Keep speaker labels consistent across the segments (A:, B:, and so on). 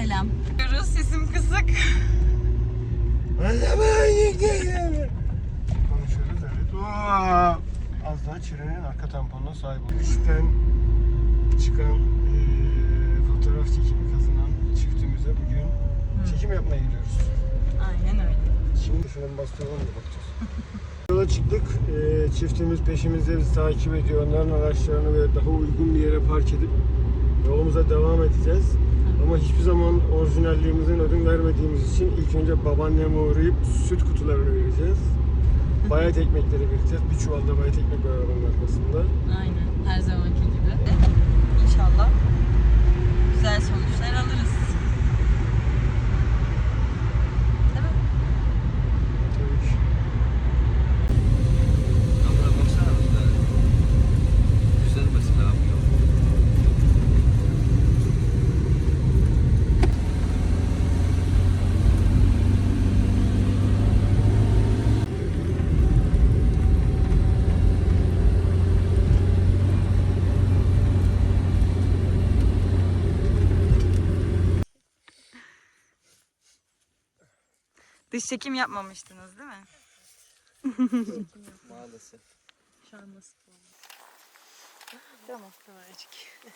A: Selam. Sesim kısık.
B: Konuşuyoruz evet. Az daha trenin arka tamponuna sahip olduk. İşten çıkan fotoğraf çekimi kazanan çiftimize bugün çekim yapmaya gidiyoruz.
A: Aynen öyle.
B: Şimdi şunun bastıralım da bakacağız. Yola çıktık. Çiftimiz peşimizde bizi takip ediyor. Onların araçlarını böyle daha uygun bir yere park edip yolumuza devam edeceğiz. Ama hiçbir zaman orijinalliğimizin ödün vermediğimiz için ilk önce babaanneme uğrayıp süt kutularını vereceğiz. Bayat ekmekleri vereceğiz. Bir çuvalda bayat ekmek var arabanın arkasında.
A: Aynen. Her zamanki gibi. İnşallah güzel sonuçlar alırız. Değil mi?
B: Tabii ki.
C: Abla baksana burada. Güzel mesela abi.
A: Dış çekim yapmamıştınız değil mi?
C: Maalesef.
A: Şu an nasıl oldu? Tamam. Kameracık.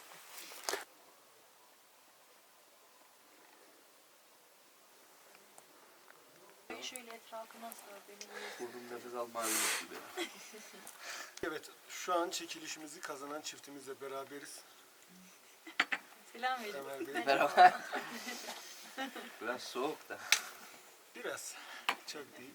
D: Şöyle etrafına sor beni.
C: Burnum nefes almaya gibi.
B: Evet, şu an çekilişimizi kazanan çiftimizle beraberiz.
A: Selam verin.
B: Ömer Bey.
C: Merhaba. Biraz soğuk da.
B: Biraz. Çok değil.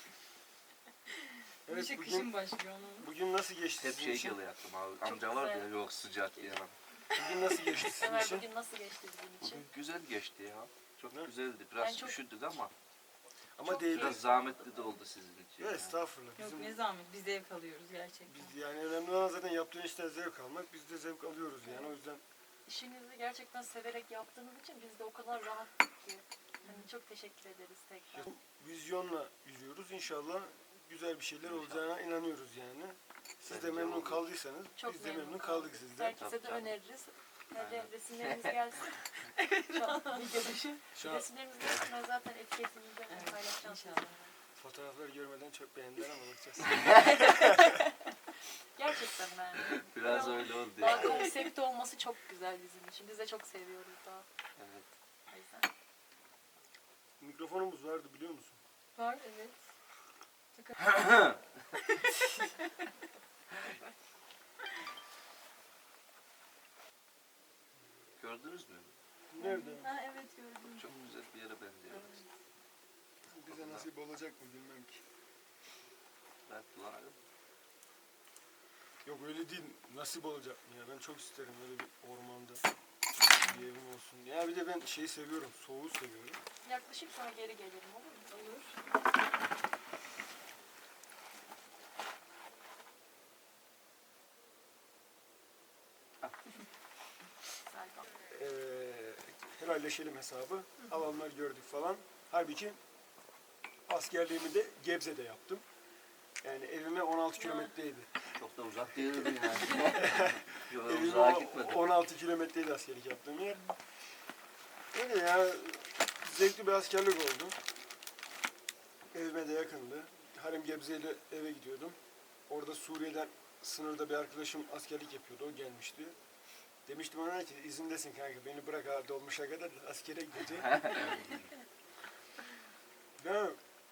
A: Evet,
B: Evet,
A: kışın başlıyor onun.
B: bugün nasıl geçti
C: Hep
B: sizin
C: şey
B: için?
C: geliyor aklıma abi. Amca var ya yok sıcak diyemem.
B: Bugün nasıl geçti sizin
D: Ömer
B: için?
D: bugün nasıl geçti bizim için?
C: Bugün güzel geçti ya. Çok
B: Ne?
C: güzeldi.
D: Ben
C: Biraz
D: çok-
C: üşüdük ama
B: Ama
D: Çok
B: değil.
C: biraz zahmetli de oldu sizin için.
B: Ya
C: yani.
B: estağfurullah.
A: Yok
B: Bizim,
A: ne zahmet. Biz zevk alıyoruz gerçekten.
B: biz yani önemli olan zaten yaptığın işten zevk almak. Biz de zevk alıyoruz yani. O yüzden
D: İşinizi gerçekten severek yaptığınız için biz de o kadar rahattık ki. Hani çok teşekkür ederiz tekrar.
B: vizyonla yürüyoruz. İnşallah güzel bir şeyler olacağına inanıyoruz yani. Siz de
C: Bence
B: memnun
C: olur.
B: kaldıysanız
D: Çok
B: biz de memnun kaldık sizden.
D: Herkese de
C: Tabii canım.
D: öneririz. Hadi
C: Aynen.
D: resimlerimiz gelsin. Şu an video dışı.
B: Şu an
D: Resimlerimiz gelsin. Ben zaten etiketimizde paylaşacağım
A: İnşallah.
D: sizinle.
B: fotoğrafları görmeden çok beğendiler ama bakacağız.
D: Gerçekten ben.
C: Biraz öyle oldu
D: Daha
C: yani.
D: konsepti olması çok güzel bizim için. Biz de çok seviyoruz daha.
C: Evet.
D: O yüzden.
B: Mikrofonumuz vardı biliyor musun?
D: Var evet.
C: Gördünüz mü?
B: Nerede?
D: Ha evet gördüm.
C: Çok güzel bir yere benziyor.
B: Bize nasip olacak mı bilmem ki.
C: Ben kullanırım.
B: Yok öyle değil. Nasip olacak mı ya? Ben çok isterim öyle bir ormanda bir evim olsun. Ya bir de ben şeyi seviyorum. Soğuğu seviyorum.
D: Yaklaşık sonra geri gelirim olur mu? Olur. Serkan.
B: Helalleşelim hesabı. Alanlar gördük falan. Halbuki askerliğimi de Gebze'de yaptım. Yani evime 16 kilometreydi.
C: Çok da uzak değildi yani. Yok
B: Evime
C: uzağa gitmedim.
B: 16 kilometreydi askerlik yaptığım yer. Öyle ya. Zevkli bir askerlik oldu. Evime de yakındı. Halim Gebze ile eve gidiyordum. Orada Suriye'den sınırda bir arkadaşım askerlik yapıyordu. O gelmişti. Demiştim ona ki izindesin kanka beni bırak ha dolmuşa kadar da askere gideceğim. Ya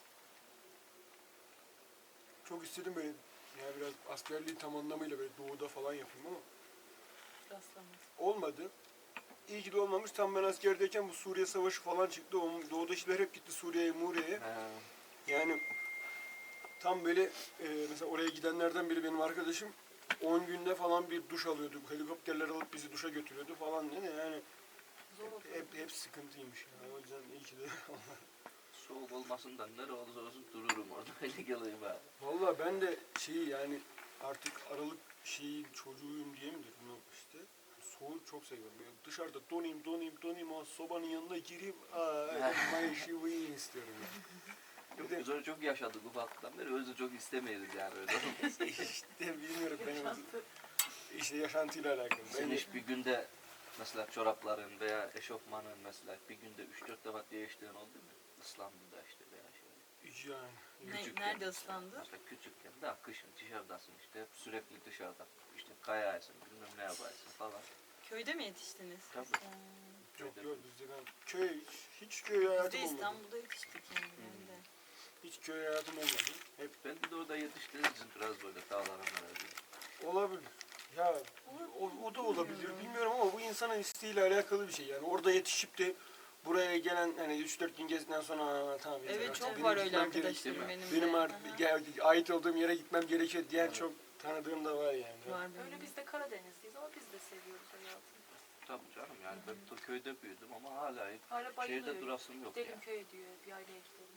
B: çok istedim böyle ya biraz askerliği tam anlamıyla böyle doğuda falan yapayım ama
D: Rastlamaz.
B: olmadı. İyi ki de olmamış. Tam ben askerdeyken bu Suriye Savaşı falan çıktı. O doğuda işler hep gitti Suriye'ye, Muriye'ye.
C: Ha,
B: Yani tam böyle mesela oraya gidenlerden biri benim arkadaşım 10 günde falan bir duş alıyordu. Helikopterler alıp bizi duşa götürüyordu falan değil mi? Yani
D: Zor oldu.
B: hep sıkıntıymış ya. O yüzden iyi ki de
C: soğuk olmasından ne olursa olsun dururum orada. Öyle geleyim abi.
B: Valla ben de şeyi yani artık aralık şeyi çocuğuyum diye mi dedim işte. Soğuğu çok seviyorum. Böyle dışarıda donayım o sobanın yanına gireyim. Mayışı istiyorum yani.
C: Yok, biz onu çok yaşadık ufaklıktan beri. Özü çok istemeyiz yani öyle.
B: İşte bilmiyorum benim işte yaşantıyla alakalı.
C: Sen hiç bir günde Mesela çorapların veya eşofmanın mesela bir günde 3-4 defa değiştiğin oldu mu? İslam'da işte veya şey.
B: Yani.
A: Nerede ıslandı?
C: Mesela küçükken de kışın dışarıdasın işte sürekli dışarıda. İşte kayarsın bilmem ne yaparsın falan.
A: Köyde mi yetiştiniz?
C: Tabii.
B: Yok yok bizde ben hiç köy
A: Biz
B: hayatım
A: de
B: olmadı.
A: İstanbul'da yetiştik yani. Ben de.
B: Hiç köy hayatım olmadı. Hep
C: Ben de orada yetiştiğiniz için biraz böyle dağlara herhalde.
B: olabilir. Ya o da olabilir. Bilmiyorum ama bu insanın isteğiyle alakalı bir şey. Yani orada yetişip de buraya gelen hani 3-4 gün gezdikten sonra tamam yeter
A: Evet
B: artık,
A: çok
B: benim
A: var öyle
B: gitmem gerek-
A: arkadaşlarım benim de.
B: Benim
A: Hı
B: artık
A: hı.
B: ait olduğum yere gitmem gerekiyor diyen
C: Evet.
B: çok tanıdığım da var yani.
A: Var benim.
D: Öyle biz de Karadenizliyiz ama biz de seviyoruz hayatı.
C: Tabii canım yani ben de köyde büyüdüm ama hala
D: Hala bayılıyor.
C: şehirde durasım yok
D: Gidelim
C: ya.
D: köye diyor, bir aileye gidelim.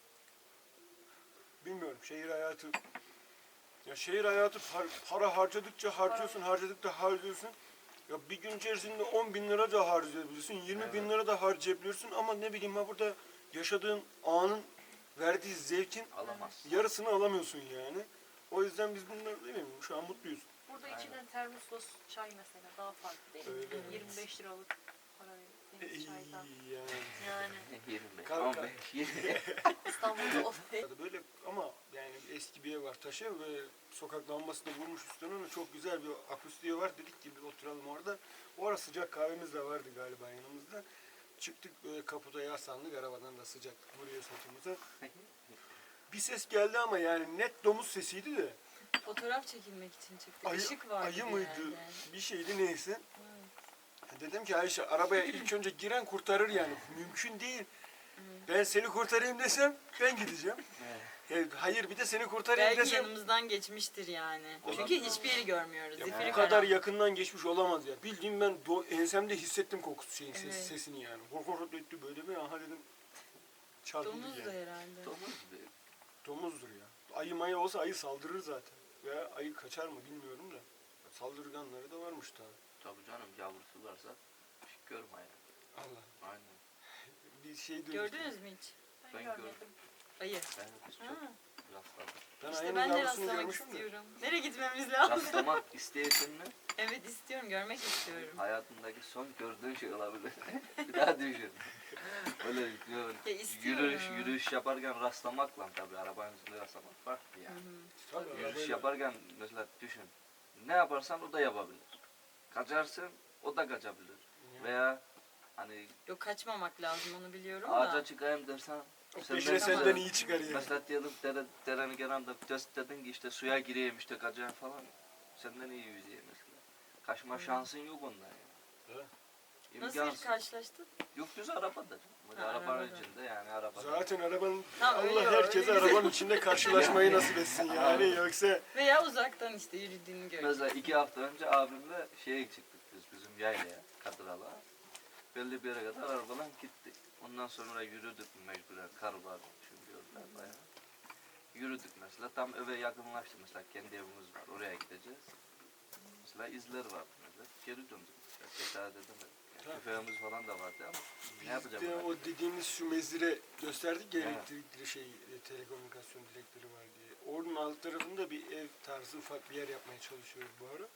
B: Bilmiyorum şehir hayatı ya şehir hayatı para harcadıkça harcıyorsun. Ya bir gün içerisinde 10.000 lira da harcayabilirsin, 20.000 lira da harcayabilirsin ama ne bileyim ha burada yaşadığın anın verdiği zevkin
C: Alamazsın.
B: yarısını alamıyorsun yani. O yüzden biz bunlar değil mi? Şu an mutluyuz.
D: Burada
C: Aynen.
D: içilen termoslos çay mesela daha farklı değil mi?
B: Öyle.
D: 25 liralık para verip çaydan.
B: Yani.
D: Yani
C: 25,
B: Kanka.
C: 15, 20.
D: İstanbul'da o
B: Böyle ama yani eski bir ev var taşı ve sokak lambasını vurmuş üstüne ama çok güzel bir akustiği var. Dedik ki bir oturalım orada. O ara sıcak kahvemiz de vardı galiba yanımızda. Çıktık böyle kaputa yaslandık arabadan da sıcaklık vuruyor sırtımıza. Bir ses geldi ama yani net domuz sesiydi de.
A: Fotoğraf çekilmek için çıktık. Işık vardı
B: ayı
A: bir
B: mıydı?
A: yerde.
B: Bir şeydi neyse. Dedim ki Ayşe arabaya ilk önce giren kurtarır yani. Mümkün değil. Ben seni kurtarayım desem ben gideceğim. Hayır bir de seni kurtarayım
A: Belki
B: desem
A: yanımızdan geçmiştir yani.
C: Olabilir.
A: Çünkü hiçbir yeri görmüyoruz.
B: ya
A: Zifiri
B: bu kadar
A: karanlık.
B: yakından geçmiş olamaz ya. Bildiğim ben ensemde hissettim kokusu şeyin
A: Evet.
B: sesini yani. Korkut etti böyle bir aha dedim çarpıldı
A: Domuz da
B: yani.
A: herhalde.
C: Domuz gibi.
B: Domuzdur ya. Ayı maya olsa ayı saldırır zaten. Veya ayı kaçar mı bilmiyorum da. Saldırganları da varmış tabii.
C: Tabii canım yavrusu varsa hiç görme yani.
B: Allah.
C: Aynen.
B: Bir şey duymuştum.
A: Gördünüz mü hiç?
C: Ben
D: görmedim.
C: gördüm.
A: Ayı.
C: Ben de biz çok
A: Ha.
C: rastladık.
B: Ben
A: İşte
B: ayının
A: ben de
B: yavrusunu
A: rastlamak
B: görmüşüm de.
A: istiyorum. Nereye gitmemiz lazım?
C: Rastlamak isteyesin mi?
A: Evet istiyorum, görmek istiyorum.
C: Hayatındaki son gördüğün şey olabilir. Bir daha düşün. Öyle
A: Ya istiyorum.
C: yürüyüş yaparken rastlamakla tabii arabanın üzerinde rastlamak farklı yani.
B: Tabii,
C: Yürüyüş
B: arabayla-
C: yaparken mesela düşün. Ne yaparsan o da yapabilir. Kaçarsın o da kaçabilir. Veya hani
A: Yok kaçmamak lazım onu biliyorum
C: ağaca
A: da.
C: çıkayım dersen
B: Peşine senden iyi çıkar yani.
C: mesela diyelim derenin kenarında dedin ki işte suya gireyim işte kaçayım falan. Senden iyi yüzeyim mesela. Kaçma şansın yok ondan yani.
B: Evet.
A: Nasıl
C: İmkansız.
A: hiç karşılaştın?
C: Yok düz arabada. Böyle
A: Ha,
C: arabanın
A: arabada.
C: içinde yani arabada.
B: Zaten arabanın
A: Tamam,
B: Allah
A: öyle
B: herkese
A: öyle.
B: arabanın içinde karşılaşmayı nasip etsin yani yoksa
A: Veya uzaktan işte yürüdüğünü gördüm.
C: Mesela 2 hafta önce abimle şeye çıktık biz bizim yaylaya, Kadıral'a. Belli bir yere kadar arabadan gittik. Ondan sonra yürüdük mecburen, kar var çünkü yollar bayağı. Yürüdük mesela, tam eve yakınlaştık mesela, kendi evimiz var, oraya gideceğiz. Mesela izler vardı mesela, geri döndük mesela, cesaret edemedik. Yani tüfeğimiz falan da vardı ama ne yapacağım
B: biz de
C: ben?
B: o dediğimiz şu mezire gösterdik ya
C: Evet.
B: elektrikli telekomünikasyon direkleri var diye. Onun alt tarafında bir ev tarzı ufak bir yer yapmaya çalışıyoruz bu ara.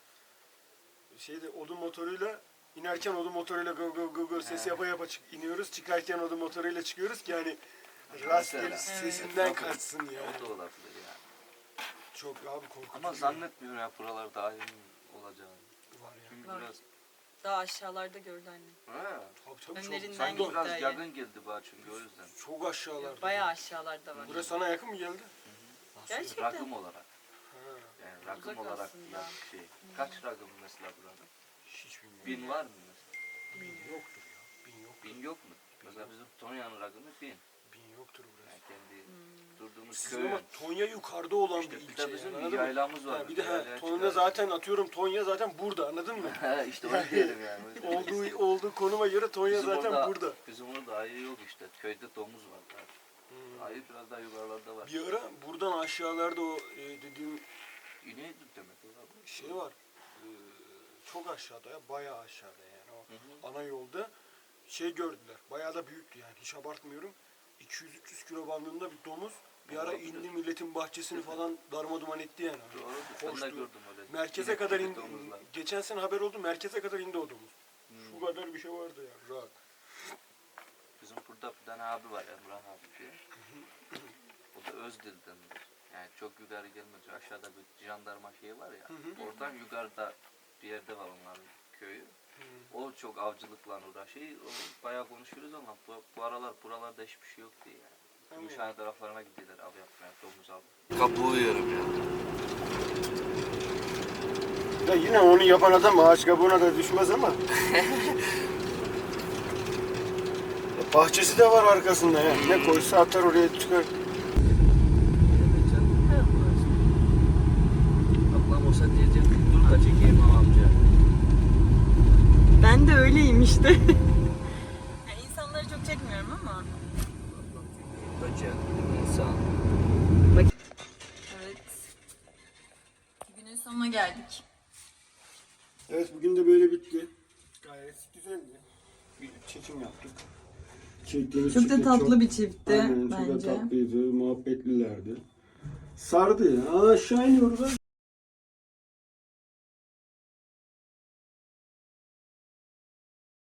B: Şeyde odun motoruyla inerken odun motoruyla go go go go ses
C: He.
B: yapa yapa iniyoruz. Çıkarken odun motoruyla çıkıyoruz ki hani rastgele
C: Mesela.
B: sesinden
C: Evet.
B: kaçsın
C: O
B: yani.
C: da olabilir yani.
B: Çok abi korkutucu.
C: Ama zannetmiyorum ya buralar dahil olacağını.
B: var ya.
C: Çünkü
A: Var.
C: biraz...
A: Daha aşağılarda gördü annem.
C: Ha.
B: Tabii
A: Önlerinden
B: çok,
C: Sanki
A: gitti
C: biraz
A: ayı.
C: yakın geldi bana çünkü o yüzden.
B: çok aşağılarda.
A: Bayağı aşağılarda var.
B: Burası sana yakın mı geldi?
A: Gerçekten.
C: Rakım olarak.
B: Ha,
C: Yani rakım
A: Uzak
C: olarak
A: aslında.
C: şey. Kaç rakım mesela buranın?
B: hiç bilmiyorum.
C: 1000 var mı mesela?
B: Bin yoktur ya. Bin yok.
C: 1000 yok mu? Mesela bizim Tonya'nın rakımı 1000.
B: Bin yoktur burası.
C: Yani kendi durduğumuz
B: Sizin
C: köyün.
B: ama Tonya yukarıda olan
C: İşte
B: bir
C: bir
B: ilçe
C: de bizim
B: yani,
C: bir
B: anladın mı?
C: yaylamız var.
B: Ha, bir de
C: Yaylaya
B: Tonya
C: çıkarız.
B: zaten atıyorum Tonya zaten burada anladın mı?
C: Ha, işte onu diyelim yani.
B: olduğu konuma göre Tonya
C: Bizim
B: zaten
C: orada-
B: burada.
C: Bizim orada ayı yok işte. Köyde domuz var. zaten.
B: Hmm.
C: Ayı biraz daha yukarılarda var.
B: Bir ara buradan aşağılarda o dediğim
C: İneği demek olabilir.
B: şey var. Çok aşağıda ya bayağı aşağıda yani o
C: Hı
B: ana yolda şey gördüler. Bayağı da büyüktü yani hiç abartmıyorum. 200-300 kilo bandında bir domuz bir ara
C: Olabilir.
B: indi milletin bahçesini falan darma duman etti yani.
C: Doğrudur. Ben de
B: Koştu.
C: gördüm öyle.
B: Merkeze
C: İnek
B: kadar
C: gibi
B: indi.
C: domuzlar.
B: Geçen sene haber oldu merkeze kadar indi o domuz. Şu bu kadar bir şey vardı ya. Rahat.
C: Bizim burada bir tane abi var, Emrah abi diye. O da Özdil'dendir. Yani çok yukarı gelmez. Aşağıda bir jandarma şeyi var ya. Oradan yukarıda bir yerde var onların köyü. O çok avcılıkla uğraşıyor. O bayağı konuşuyoruz ama bu aralar buralarda hiçbir şey yok diye yani. Gümüşhane taraflarına gidiyorlar av yapmaya, domuz av. Kabuğu yiyorum ya.
B: Ya yine onu yapan adam ağaç kabuğuna da düşmez ama. Ya bahçesi de var arkasında ya. Ne koysa atar oraya çıkar.
C: Ablam olsa diyecek, dur da çekeyim amca.
A: Ben de öyleyim işte. Yani insanları çok çekmiyorum ama.
C: Böcek, insan.
A: Evet. Günün sonuna geldik.
B: Evet bugün de böyle bitti. Gayet güzeldi. Bir çekim yaptık. Çektiğimiz
A: Çok
B: çift
A: da
B: de
A: tatlı bir çiftti
B: Aynen, çok da
A: bence.
B: tatlıydı, muhabbetlilerdi. Sardı ya. Aşağı iniyoruz.